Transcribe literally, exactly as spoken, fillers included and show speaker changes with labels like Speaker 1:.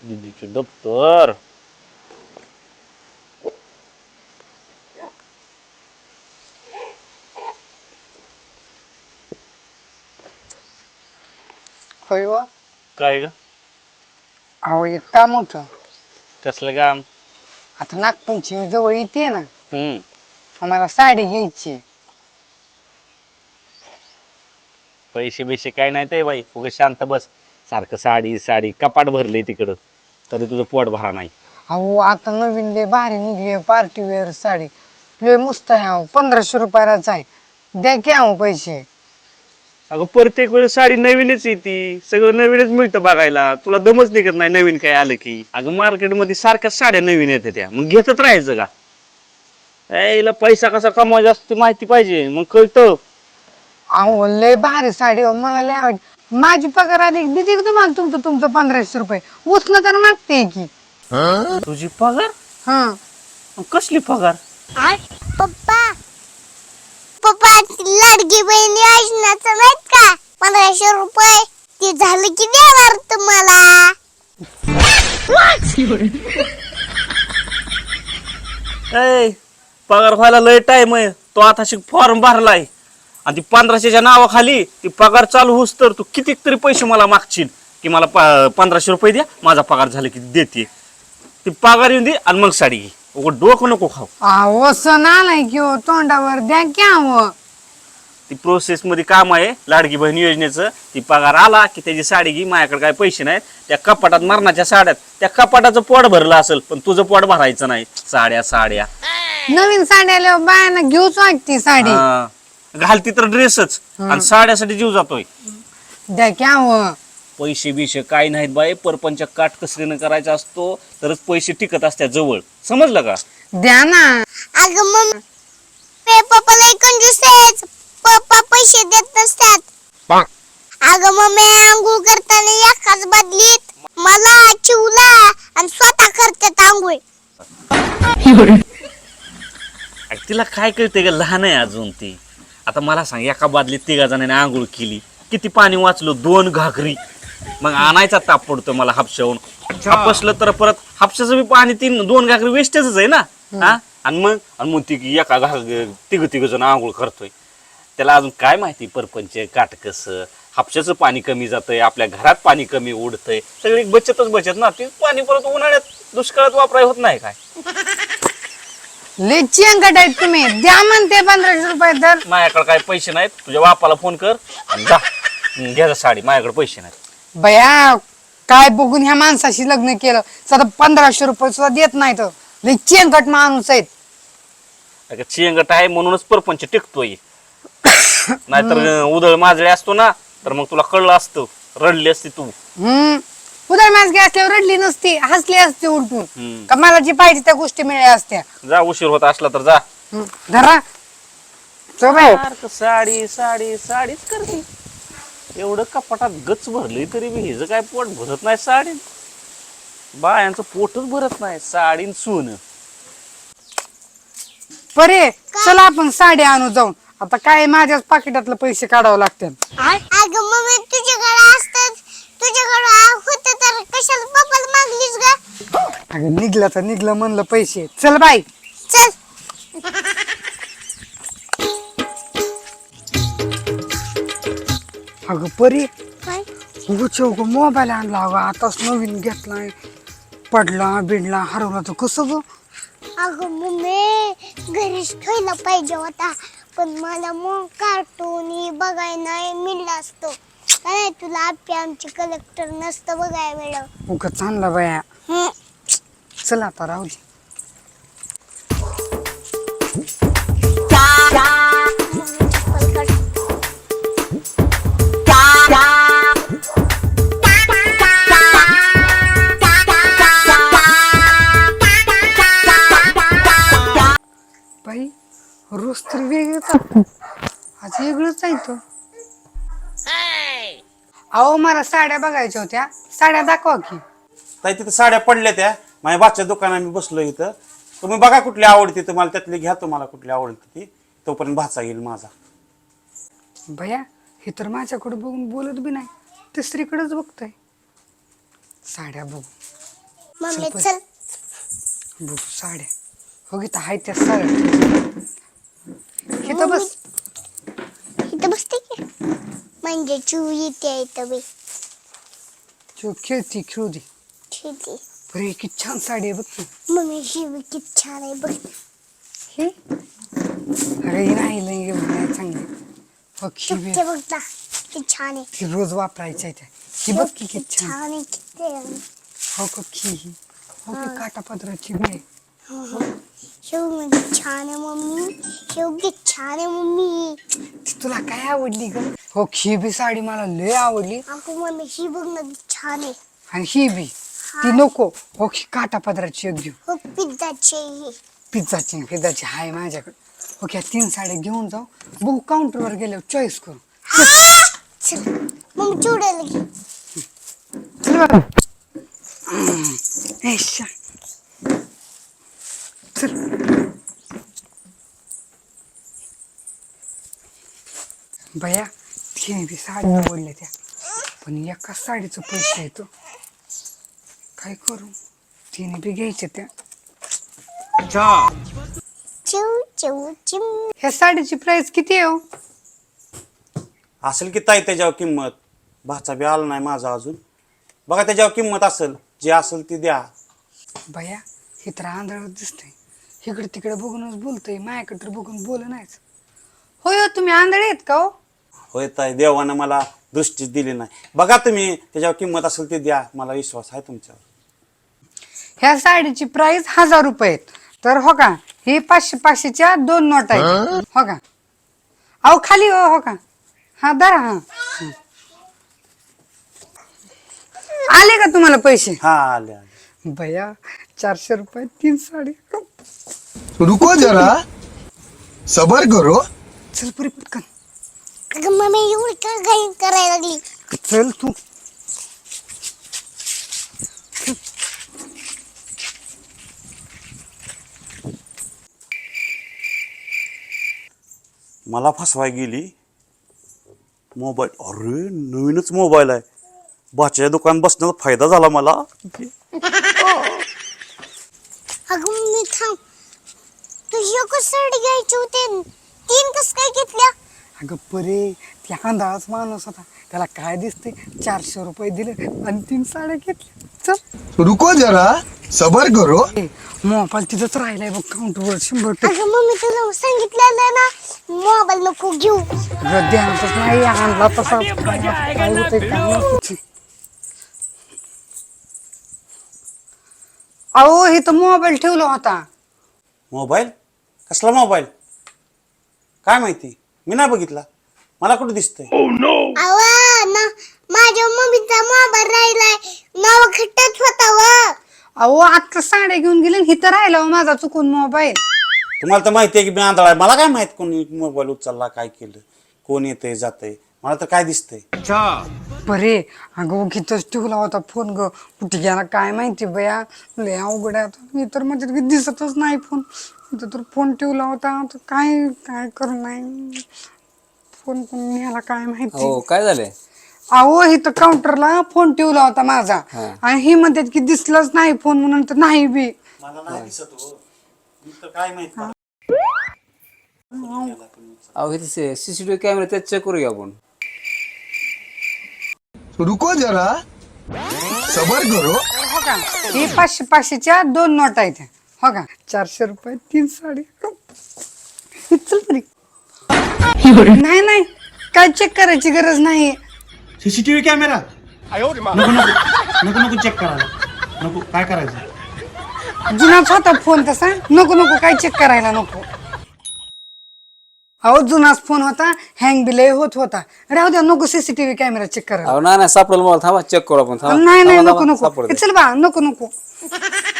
Speaker 1: दीदीचे दप्तर.
Speaker 2: होय वा.
Speaker 1: काय ग?
Speaker 2: अहो एक काम होतं.
Speaker 1: कसलं काम?
Speaker 2: आता नागपंचमी जवळ येते ना,
Speaker 1: हम्म.
Speaker 2: आम्हाला साडी घ्यायची.
Speaker 1: पैसे बिशे काय नाही ते बाई, उगा शांत बस. सारखं साडी साडी कपाट भरले तिकडं, तरी तुझं पोट भरा नाही.
Speaker 2: अहो आता नवीन लय भारी निघली पार्टी वेअर साडी, लय मस्त आहे. अहो पंधराशे रुपयालाच आहे, द्या की अहो पैसे.
Speaker 1: अगं प्रत्येक वेळेस साडी नवीनच येते, सगळं नवीनच मिळतं बघायला. तुला दमच निघत नाही नवीन काय आलं की. अगं मार्केटमध्ये सारख्याच साड्या नवीन येतात त्या, मग घेतच राहायचं का? यायला पैसा कसा कमवायचा असतो माहिती पाहिजे, मग कळतं.
Speaker 2: अहो लय भारी साडी हो, मला लय आवडली. माझी पगार आली दिदी तुम्हाला तुमचं तुमचं पंधराशे रुपये उचलं तर मागते की.
Speaker 1: तुझी पगार?
Speaker 2: हा
Speaker 1: कसली पगार?
Speaker 3: पप्पा पप्पा लाडकी बहीण योजनाचं नाहीत का पंधराशे रुपये, ते झालं की देणार तुम्हाला.
Speaker 1: ए, पगार व्हायला लय टाइम आहे. तो आता फॉर्म भरलाय आणि ती पंधराशेच्या नावाखाली ती पगार चालू होस तर तू किती तरी पैसे मला मागशील की मला पंधराशे रुपये द्या, माझा पगार झाला की देते. ती पगार येऊन दे आणि मग साडी घे. उगाच डोकं नको खाऊ.
Speaker 2: अहो सण आलाय की हो, तोंडावर द्या की अहो.
Speaker 1: ती प्रोसेस मध्ये काम आहे लाडकी बहीण योजनेचं. ती पगार आला की त्याची साडी घे. माझ्याकडे काय पैसे नाहीत. त्या कपाटात मरणाच्या साड्यात, त्या कपाटाचं पोट भरलं असेल पण तुझं पोट भरायचं नाही. साड्या साड्या
Speaker 2: नवीन साडी आल्यावर बायांना घेऊच वाटते साडी.
Speaker 1: हा. घालती तर ड्रेसच आणि साड्यासाठी जीव जातोय.
Speaker 2: द्या की अहो.
Speaker 1: पैसे बिशे काय नाहीत बाई, परपंच काटकसरीनं करायचा असतो तरच पैसे टिकत असतात जवळ. समजलं का?
Speaker 2: द्या ना.
Speaker 3: अगं मम्मी पप्पा लय कंजूस आहेत, पप्पा पैसे देत नसतात. अगं मम्मी आंघोळ करताना एकाच बदलीत मला चिवला आणि स्वतः करतात आंघोळ.
Speaker 1: तिला काय कळते ग, लहान आहे अजून ती. आता मला सांग, एका बादलीत तिघा जणांनी आंघोळ केली, किती पाणी वाचलं? दोन घागरी. मग आणायचा ताप पडतो मला हापशावून. हापसलं तर परत हापशाचं बी पाणी, तीन दोन घागरी वेस्टेजच आहे ना. हा आणि मग आणि मग ती एका घाग तिघ तिघ जण आंघोळ करतोय. त्याला अजून काय माहिती परपंच काटकस. हापशाचं पाणी कमी जातंय, आपल्या घरात पाणी कमी उडतंय, सगळी बचतच बचत ना. ती पाणी परत उन्हाळ्यात दुष्काळात वापराय होत नाही काय?
Speaker 2: लय चिंगट आहेत तुम्ही. द्या म्हणते पंधराशे रुपये तर.
Speaker 1: माझ्याकडे काय पैसे नाहीत. तुझ्या बापाला फोन कर आणि जा घ्या साडी. माझ्याकडे पैसे नाहीत.
Speaker 2: बया काय बघून ह्या माणसाशी लग्न केलं, सध्या पंधराशे रुपये सुद्धा देत नाही. तर लय चिंगट माणूस आहेत.
Speaker 1: अगं चिंगट आहे म्हणूनच परपंच टिकतोय. नाहीतर उदळ माजळे असतो ना तर मग तुला कळलं असतं, रडली असती तू.
Speaker 2: हम्म उदळ माणसं असल्यावर रडली नसती, हसली असती उलटून.
Speaker 1: हम्म.
Speaker 2: का मला जी पाहिजे त्या गोष्टी मिळाल्या असत्या.
Speaker 1: जा, उशीर होत असला तर जा.
Speaker 2: हम्म. धरा चल बाई.
Speaker 1: सारखं साडी साडी साडीच करते. एवढं कपाटात गच भरली तरी बी हिचं काय पोट भरत नाही. साडी बायांचं पोटच भरत नाही. साडीन सून.
Speaker 2: परे चला आपण साडी आणू जाऊन. आता काय माझ्याच पाकिटातले पैसे काढावं लागतात.
Speaker 3: अगं मम्मी तुझ्याकडे असतात, तुझ्याकडे होत तर कशाला पप्पाला मागलीस ग?
Speaker 2: अगं निघलं तर निघलं म्हणलं पैसे. चल बाई.
Speaker 3: चल.
Speaker 2: अगं परी
Speaker 3: काय?
Speaker 2: उगच मोबाईल आणला. अगं आताच नवीन घेतलाय, पडला बिडला हरवला तर कसं ग?
Speaker 3: अगं मम्मी घरीच ठेवला पाहिजे होता, पण मला मग कार्टून बघाय नाही मिळलं असतं. काय तुला आपली आमची कलेक्टर नसतं बघाय वेळ.
Speaker 2: उगच आणला बाया. चल आता राहू दे. बाई रोज तर वेगळंच आहे. आज वेगळंच आहे तो. अहो मला साड्या बघायच्या होत्या, साड्या दाखवा की.
Speaker 4: ताई तिथं साड्या पडल्या त्या माझ्या बाच्या दुकानात मी बसलो इथं. तुम्ही बघा कुठली आवडते तुम्हाला, त्यातली घ्या तुम्हाला कुठली आवडते ती. तोपर्यंत भाचा येईल माझा.
Speaker 2: भया हे तर माझ्याकडे बघून बोलत बी नाही, तिसरीकडेच बघतोय. साड्या बघू
Speaker 3: मम्मी
Speaker 2: चल,
Speaker 3: चल
Speaker 2: बघ साड्या हो गी हाय त्या साड्या इथं बस.
Speaker 3: इथं बसते की म्हणजे चू येते इथं बी
Speaker 2: तू खेळती खेळू दे.
Speaker 3: ठीक आहे.
Speaker 2: बरे किती छान साडी आहे बघ की.
Speaker 3: मम्मी ही बी किती छान आहे बघ.
Speaker 2: ही अरे ही नाही लई नाही चांगली. हो की बी.
Speaker 3: ते बघ ना किती छान आहे.
Speaker 2: ती रोज वापरायची आहे त्या. ही बघ की किती छान.
Speaker 3: छान आहे किती आहे.
Speaker 2: हो का की ही हो की काटा पदराची बी आहे.
Speaker 3: शेव म्हणजे छान आहे मम्मी. शेव किती छान आहे मम्मी.
Speaker 2: ती तुला काय आवडली ग? हो ही बी साडी मला लय आवडली.
Speaker 3: अगं मम्मी ही बघ ना किती छान आहे.
Speaker 2: आणि ही बी ती नको. हो ही काटा पदराची एक घेऊ.
Speaker 3: हो पिझ्झाची ही.
Speaker 2: पिझ्झाची पिझ्झाची हाय माझ्याकडे. ओके तीन साड्या घेऊन जाऊ बघू काउंटरवर गेल्यावर चॉईस करू.
Speaker 3: चल मग चिवड्याला घे.
Speaker 2: चल बाबा. ऐशा. चल बया तिने बी साडी आवडल्या त्या पण एका साडीचं पैसे येतो काय करू तिने बी घ्यायच्या त्या.
Speaker 3: चिव चिव चिम.
Speaker 2: ह्या साडीची प्राइस किती आहे हो?
Speaker 4: असेल की ताई त्याच्यावर किंमत. भाचा बी आला नाही माझा अजून. बघा त्याच्यावर किंमत असेल, जे असेल ती द्या.
Speaker 2: बया हे तर आंधळच दिसतंय. इकडे तिकडे बघूनच बोलतोय माझ्याकडे तर बघून बोल नाहीच. होय हो तुम्ही आंधळे आहेत का हो?
Speaker 4: होय ताई देवानं मला दृष्टीच दिली नाही. बघा तुम्ही त्याच्यावर किंमत असेल ती द्या. मला विश्वास आहे तुमच्यावर.
Speaker 2: ह्या साडीची प्राइस हजार रुपये आहेत. तर हो का हे पाचशे पाचशेच्या दोन नोट आहेत हो का. अहो खाली हो हो का हा धरा हा हं. आले का तुम्हाला पैसे?
Speaker 4: हा आले आले.
Speaker 2: भैया चारशे रुपये तीन साडी.
Speaker 5: रुको जरा सबर करो.
Speaker 2: चल पुरी पटकन
Speaker 3: अगं मम्मी एवढी का घाई करायला लागली.
Speaker 2: चल तू.
Speaker 4: मला फसवाय गेली. मोबाईल अरे नवीनच मोबाईल आहे. बाच्या दुकान बसण्याचा फायदा झाला मला.
Speaker 3: अगं मम्मी थांब. तू एकच साडी घ्यायची होती तीन कस काय घेतल्या?
Speaker 2: अगं परे त्या आंधळाच माणूस होता त्याला काय दिसते चारशे रुपये दिले आणि तीन साड्या घेतल्या. चल
Speaker 5: रुको जरा सबर करो.
Speaker 2: मोबाईल तिथंच राहिलाय बघ काउंटरवर शंभर टक्के.
Speaker 3: अगं मम्मी तुला सांगितलेलं ना मोबाईल नको घेऊ.
Speaker 2: अगं ध्यानातच नाही आणला तसा काय होतंय काय माहिती. अहो इथं मोबाईल ठेवला होता.
Speaker 4: मोबाईल कसला मोबाईल काय माहिती मी नाही बघितला. मला कुठे दिसतंय.
Speaker 3: अवा ना माझ्या मम्मीचा मोबाईल राहिलाय नाव खट्टच होता व.
Speaker 2: अहो आता साड्या घेऊन गेले आणि इथं राहिला हो माझा चुकून मोबाईल.
Speaker 4: तुम्हाला तर माहिती आहे की मी आंधळा आहे. मला काय माहित कोणी मोबाईल उचलला काय केलं कोण येतंय जातंय. मला तर काय दिसतंय.
Speaker 2: बरे अगं उगीतच ठेवला होता फोन ग कुठे गेला काय माहिती बया. लय अवघड आहे आता. मी तर म्हणजे दिसतच नाही फोन. इथं तर फोन ठेवला होता आता काय काय करू नाही. फोन कोण न्याला काय माहिती.
Speaker 6: हो काय झालंय?
Speaker 2: अहो इथं काउंटरला फोन ठेवला होता माझा आणि ही म्हणतात की दिसलाच नाही फोन म्हणून तर नाही बी.
Speaker 4: मला नाही दिसत हो. मी तर काय माहित.
Speaker 6: अहो इथे सीसीटीव्ही कॅमेरा त्यात चेक करूया आपण.
Speaker 5: रुको जरा सबर करो.
Speaker 2: हो का ही पाचशे पाचशेच्या दोन नोट आहेत हो का. चारशे रुपये तीन साडी. चल तरी नाही नाही काय चेक करायची गरज नाही.
Speaker 4: सीसीटीव्ही कॅमेरा नको नको नको नको चेक करायला नको. काय करायचं.
Speaker 2: जुनाच होता फोन तसा. नको नको काय चेक करायला नको. अहो जुनाच फोन होता हँग बी लय होत होता. राहू द्या नको सीसीटीव्ही कॅमेरा चेक करायला.
Speaker 6: अहो नाही नाही सापडेल मला. थांबा चेक करू आपण. थांबा
Speaker 2: नाही नाही
Speaker 6: थांबा,
Speaker 2: नको
Speaker 6: थांबा,
Speaker 2: नको
Speaker 6: सापडू दे.
Speaker 2: चल बा नको नको.